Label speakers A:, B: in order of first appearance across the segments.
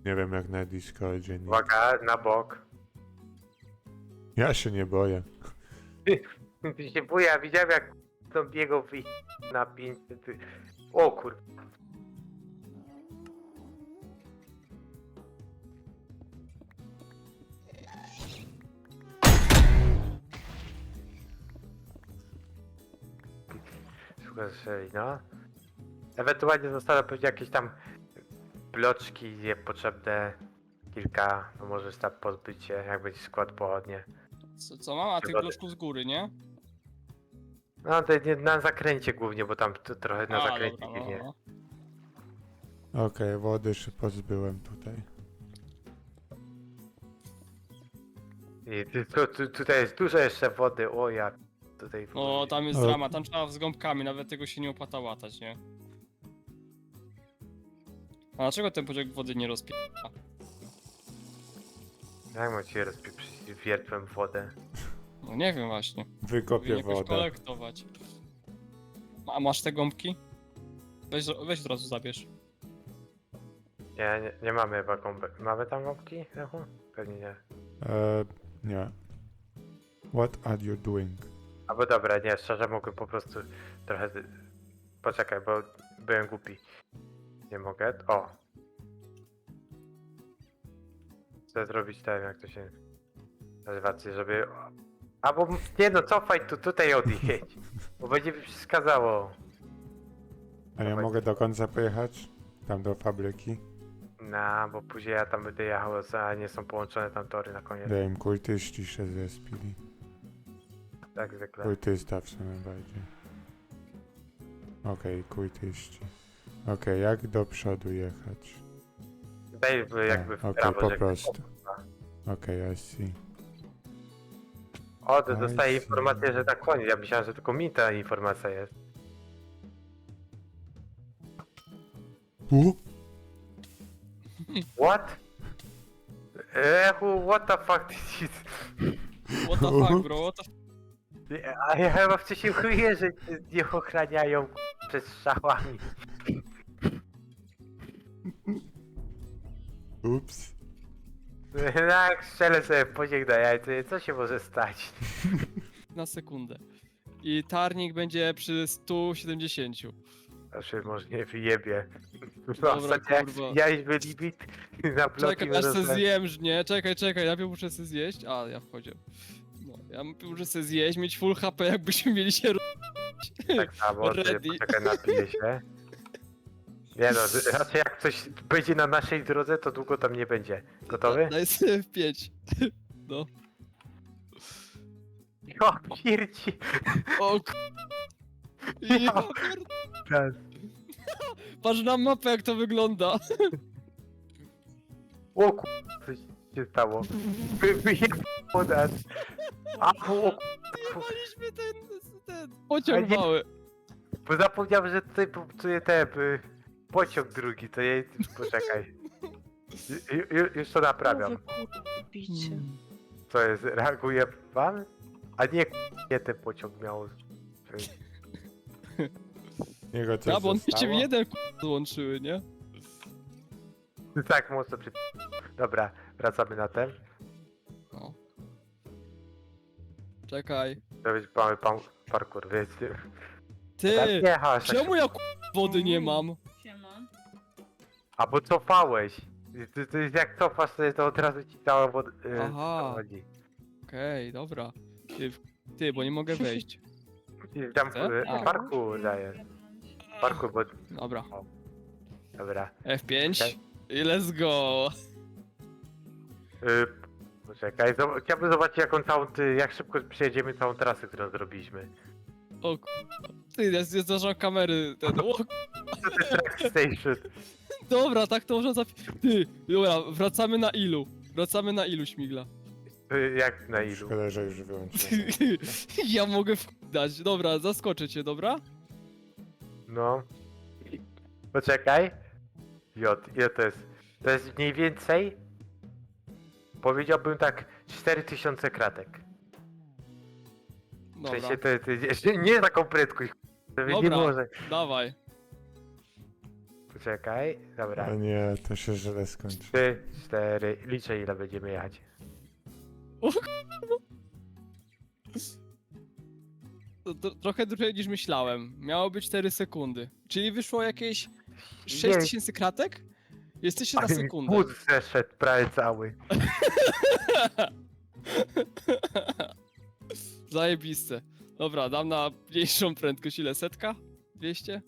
A: Nie wiem jak na Discordzie. Nie.
B: Uwaga, na bok.
A: Ja się nie boję.
B: Ty się boję, ja widziałem jak zombiego na 500. O kur... Słuchaj, no. Ewentualnie zostaną pewnie jakieś tam bloczki niepotrzebne. Kilka, no możesz tam pozbyć się, jak będzie skład pochodnie.
C: Co mam? A tych
B: Przygody.
C: bloczków z góry, nie?
B: No to nie, na zakręcie głównie, bo tam trochę na zakręcie
C: dobra,
B: dziwnie.
A: Okej, wody się pozbyłem tutaj.
B: I tutaj jest dużo jeszcze wody, o ja tutaj...
C: No, tam jest
A: O.
C: drama, tam trzeba z gąbkami, nawet tego się nie opłaca łatać, nie? A dlaczego ten pociąg wody nie rozpie...
B: Jak mam cię rozpieprzyć wiertłem wodę?
C: No nie wiem właśnie.
A: Wykopię
C: Powinien jakoś
A: wodę.
C: kolektować. A masz te gąbki? Weź od razu zabierz.
B: Nie mamy chyba gąbek. Mamy tam gąbki? Lechu? Pewnie nie.
A: Nie. What are you doing?
B: Albo dobra, nie, szczerze mogę po prostu trochę... Poczekaj, bo byłem głupi. Nie mogę. O! Chcę zrobić tak, jak to się nazywa, żeby... Albo nie no, cofaj tutaj odjedź. Bo będzie mi przeszkadzało.
A: A ja
B: Dawaj.
A: mogę do końca pojechać? Tam do fabryki?
B: No, bo później ja tam będę jechał, a nie są połączone tam tory na koniec.
A: Daj im kultyści się zespili.
B: Tak zwykle.
A: Kultysta w sumie bardziej. Okej, kultyści. Okej, jak do przodu jechać?
B: Daj jakby w
A: Okej,
B: prawo,
A: po
B: że-
A: prostu. Okej, I see.
B: O, to
A: I
B: dostaję
A: see.
B: informację, że tak koniec. Ja myślałem, że tylko mi ta informacja jest. What? Ehu, what the fuck this is?
C: What the fuck, bro? What the
B: A ja chyba wcześniej chuję, że nie ochraniają przed strzałami.
A: Ups.
B: Tak, strzelę sobie w pociąg na jajce, co się może stać?
C: Na sekundę. I tarnik będzie przy 170.
B: Znaczy, może nie wyjebie.
C: Dobra,
B: Ostatnio jak
C: kurwa.
B: zbijaliśmy limit na bloki
C: Czekaj, aż se
B: wyrosłem.
C: zjem, nie? Czekaj, najpierw muszę se zjeść. A, ja wchodzę. No, ja muszę se zjeść, mieć full HP, jakbyśmy mieli się
B: Tak samo,
C: Ready.
B: poczekaj, napiję się. Nie no, raczej jak coś będzie na naszej drodze, to długo tam nie będzie. Gotowy?
C: Daj sobie w 5. No.
B: O, pierci!
C: O k... Ja pierd... Patrz na mapę, jak to wygląda.
B: O ku... coś się stało. Wyjebało nas. A, o,
C: Jebaliśmy ten pociąg
B: Ale nie-
C: mały.
B: bo zapomniałem, że tutaj popsuję pociąg drugi, to ja... Poczekaj. Już to naprawiam.
D: Bicie.
B: Co jest, reaguje pan? A nie ten pociąg miał...
A: Jego coś
C: Ja, bo one się w
A: zostało?
C: jeden złączyły, nie?
B: Tak, mocno przy... Dobra, wracamy na ten.
C: No. Czekaj.
B: To być mamy parkour, wiecie.
C: Ty!
B: Tak jechasz.
C: Czemu ja wody nie mam?
D: Siema.
B: A bo cofałeś. To jest jak cofasz sobie, to od razu ci cała woda...
C: Aha.
B: chodzi.
C: Okej, dobra. Ty, bo nie mogę wejść.
B: I tam
C: Co? A.
B: parkour dajesz. Parkour, bo...
C: Dobra.
B: Dobra.
C: F5
B: Okej.
C: i let's go.
B: Poczekaj, chciałbym zobaczyć jak szybko przejedziemy całą trasę, którą zrobiliśmy.
C: O k... Ty, ja zdarzam kamery. Ten... O,
B: To jest track station.
C: dobra, tak to można Ty, dobra, wracamy na ilu? Wracamy na ilu, śmigla?
B: Jak na ilu?
A: Szkoda, że już wyłączyłem.
C: Ja mogę dać. Dobra, zaskoczę cię, dobra?
B: No. Poczekaj. Ile to jest? To jest mniej więcej... Powiedziałbym tak 4000 kratek. W
C: Dobra,
B: sensie to nie taką prędkość. To nie
C: Dobra.
B: może.
C: dawaj.
B: czekaj. Dobra.
A: O nie, to się źle skończy.
B: 3, 4, liczę ile będziemy jechać.
C: To trochę dłużej niż myślałem. Miało być 4 sekundy. Czyli wyszło jakieś
B: Nie.
C: 6000 kratek? Jesteście na
B: Ale mi
C: sekundę.
B: Wóz zeszedł prawie cały.
C: Zajebiste. Dobra, dam na mniejszą prędkość. Ile? 100? 200?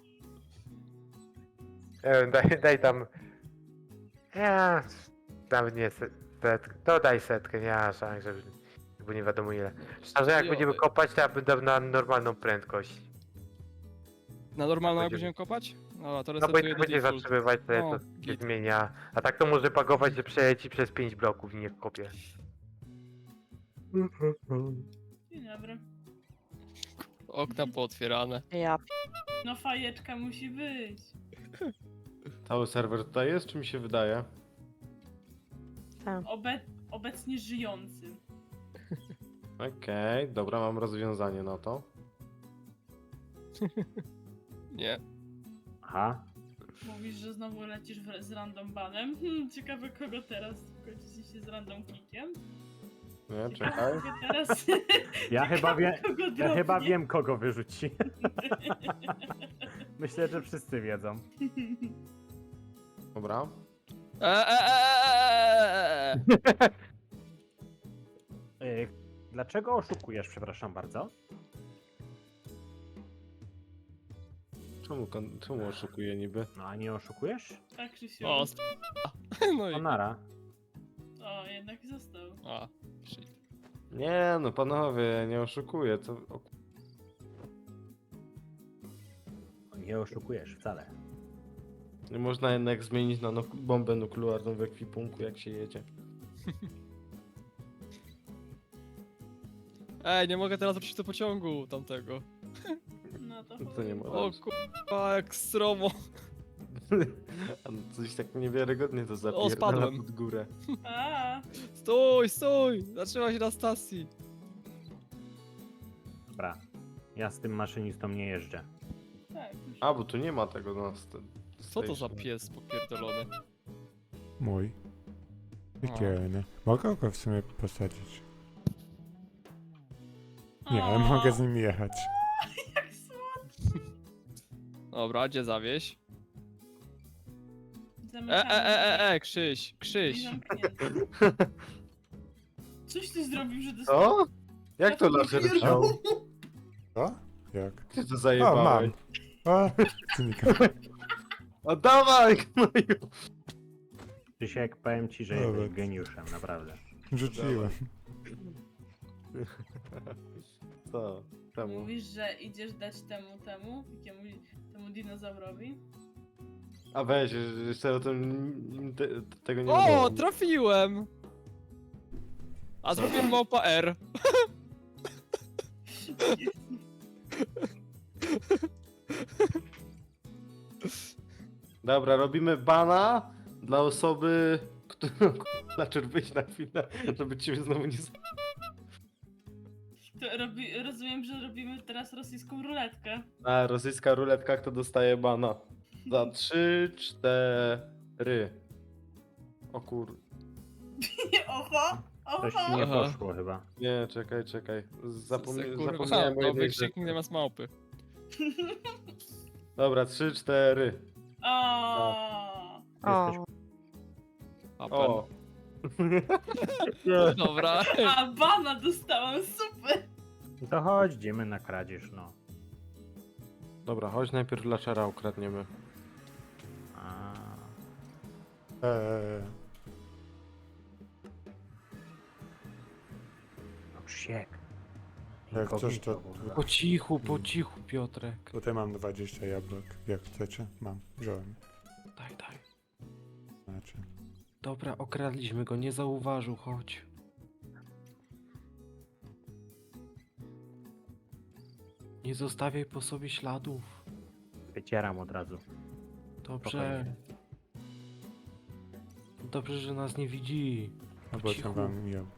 B: Nie wiem, daj tam... Ja... Nawet nie setkę. To daj setkę, nie ma szans, żeby... Bo nie wiadomo ile. Szczerze, jak będziemy
C: Chujowy.
B: kopać, to ja bym dał na normalną prędkość.
C: Na normalną jak
B: Będziemy-
C: będziemy kopać? Dobra, to
B: No bo i
C: resetuję
B: tak
C: do
B: będzie
C: default.
B: zatrzymywać, to
C: No,
B: to się
C: git.
B: zmienia. A tak to może bagować, że przeleci przez 5 bloków i nie kopie.
D: Dzień dobry.
C: Okna pootwierane.
E: Ja
D: No fajeczka musi być.
F: Cały serwer tutaj jest, czy mi się wydaje?
D: Obecnie żyjący.
F: Okej, dobra, mam rozwiązanie na to.
C: Nie.
G: Aha.
D: Mówisz, że znowu lecisz z random banem. Ciekawe kogo teraz kończy się z random kickiem.
F: Nie,
D: Ciekawe,
F: czekaj.
D: kogo teraz...
G: Ja chyba,
D: kogo
G: ja chyba
D: dropnie.
G: wiem, kogo wyrzuci. Myślę, że wszyscy wiedzą.
F: Dobra.
G: Dlaczego oszukujesz, przepraszam bardzo?
F: Czemu oszukuję niby?
G: No a nie oszukujesz?
D: Tak, Krzysiu.
C: O, no i...
G: Onara.
D: O, jednak został.
C: A, shit.
F: Nie, no panowie, ja nie oszukuję.
G: Nie oszukujesz wcale.
F: Nie można jednak zmienić na bombę nuklearną w ekwipunku, jak się jedzie.
C: Ej, nie mogę teraz wrócić do pociągu tamtego.
D: No to
F: To nie
D: chuj.
F: ma.
C: O kurwa, jak stromo.
F: A no coś tak niewiarygodnie to zapierdala
C: spadłem.
F: pod górę.
D: A,
C: Stój, stój! Zatrzymaj się na stacji.
G: Dobra. Ja z tym maszynistą nie jeżdżę.
D: tak. Już.
F: A, bo tu nie ma tego na
C: Co to za pies popierdolony?
A: Mój. Piekielny. Mogę go w sumie posadzić? Nie, ale
D: O,
A: mogę z nim jechać.
D: Jak słodko.
C: Dobra, gdzie zawieź?
D: Zamykamy.
C: Krzyś, Krzyś.
D: Zamknięty. Coś ty zrobił, że dostał...
F: Co? Jak to laser wziął?
A: Co? Jak?
F: Ty to
A: O,
F: zajebałeś.
A: mam. O, znika.
F: O, dawaj, gnoju!
G: Krzysiek, powiem ci, że
A: Dobra.
G: jesteś geniuszem, naprawdę.
A: Rzuciłem.
F: Co? Temu.
D: Mówisz, że idziesz dać temu dinozaurowi?
F: A weź, jeszcze o tym tego nie
C: O,
F: mówiłem.
C: trafiłem! A zrobiłem małpa R.
F: Dobra, robimy bana dla osoby, którą Lacher wyjść na chwilę, żeby ciebie znowu nie
D: To rozumiem, że robimy teraz rosyjską ruletkę.
F: A rosyjska ruletka, kto dostaje bana? Za 3, 4. O kur...
D: Oho!
G: Coś
D: Oho!
G: ci nie
C: Aha.
G: poszło chyba.
F: Nie, czekaj.
C: Kurwa,
F: Zapomniałem o jednej
C: nowy
F: rzeczy.
C: krzyknik zamiast małpy.
F: Dobra, 3, 4.
D: O!
G: Jesteś...
C: Apen.
F: O!
C: Dobra.
D: A bana dostałam, super!
G: To chodź, idziemy na kradzież, no.
F: Dobra, chodź najpierw Lachera ukradniemy.
G: A... No Krzysiek.
A: Jak coś, to-
G: Inkognito,
F: Po cichu, Piotrek.
A: Tutaj mam 20 jabłek. Jak chcecie? Mam. Wziąłem.
F: Daj.
A: Znaczy.
F: Dobra, okradliśmy go, nie zauważył, chodź. Nie zostawiaj po sobie śladów.
G: Wycieram od razu.
F: Dobrze.
G: Spokojnie.
F: Dobrze, że nas nie widzi.
A: Albo
F: cichu.
A: tam wam jabłko.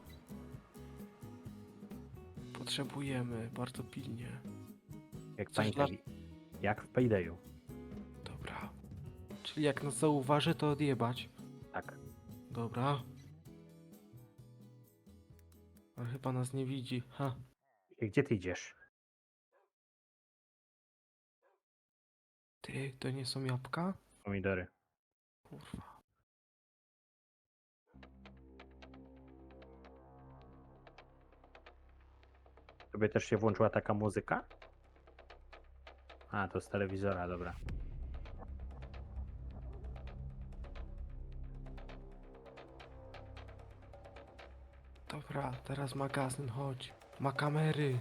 F: Potrzebujemy, bardzo pilnie.
G: Jak
F: Coś
G: pamiętaj, jak w Paydayu.
F: Dobra. Czyli jak nas zauważy, to odjebać.
G: Tak.
F: Dobra. Ale chyba nas nie widzi. Ha.
G: I gdzie ty idziesz?
F: Ty, to nie są jabłka?
G: Pomidory.
F: Kurwa.
G: Tobie też się włączyła taka muzyka? A, to z telewizora, dobra.
F: Dobra, teraz magazyn, chodź. Ma kamery.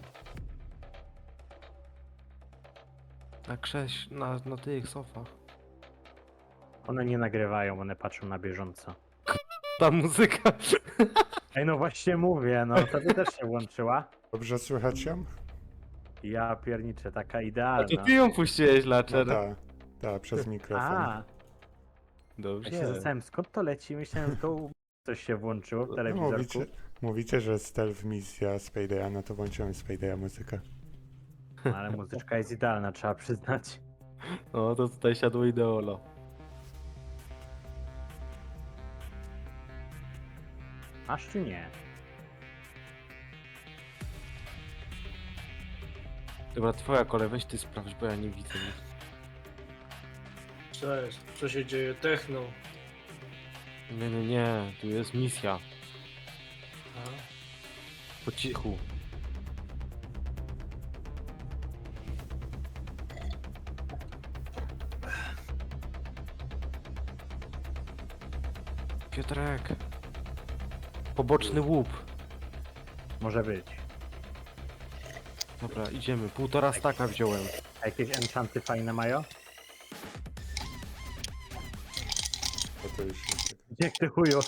F: Na tych sofach.
G: One nie nagrywają, one patrzą na bieżąco.
F: Ta muzyka.
G: Ej, no właśnie mówię, no tobie też się włączyła.
A: Dobrze słychać ją?
G: Ja pierniczę, taka
F: A to
G: idealna.
F: ty ją puściłeś,
A: No
F: Lacher.
A: tak, przez mikrofon.
G: A, ja się
F: Dobrze.
G: zastanawiam, skąd to leci? Myślałem, że to coś się włączyło w
A: No,
G: telewizorku.
A: mówicie, że stealth misja z Paydaya, no to włączyłem z Paydaya muzykę.
G: Ale muzyczka jest idealna, trzeba przyznać.
F: No to tutaj siadło ideolo.
G: Masz czy nie?
F: Dobra, twoja kolej, weź ty sprawdź, bo ja nie widzę nic.
E: Cześć, co się dzieje? Techno.
F: Nie, tu jest misja.
E: A?
F: Po cichu. Piotrek. Poboczny łup.
G: Może być.
F: Dobra, idziemy. 1,5 staka wziąłem.
G: A jakieś enchanty fajne mają?
A: Bo to już jest tak.
G: Gdzie ty chuju?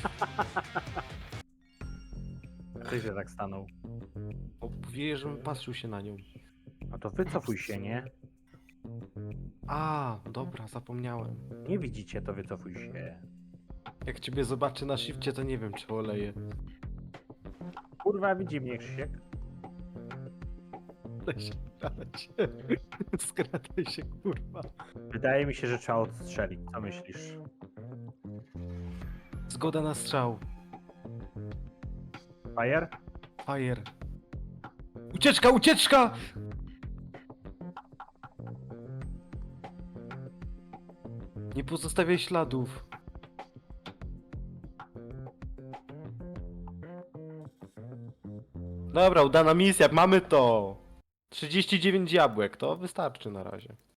G: Ty się tak stanął.
F: Mówię, żebym patrzył się na nią.
G: No to wycofuj się, nie?
F: A, dobra, zapomniałem.
G: Nie widzicie, to wycofuj się.
F: Jak ciebie zobaczy na shifcie, to nie wiem, czy oleję.
G: Kurwa, widzi mnie Krzysiek.
F: Skradaj się, kurwa.
G: Wydaje mi się, że trzeba odstrzelić. Co myślisz?
F: Zgoda na strzał.
G: Fire?
F: Fire. Ucieczka, ucieczka! Nie pozostawiaj śladów. Dobra, udana misja, mamy to. 39 jabłek, to wystarczy na razie.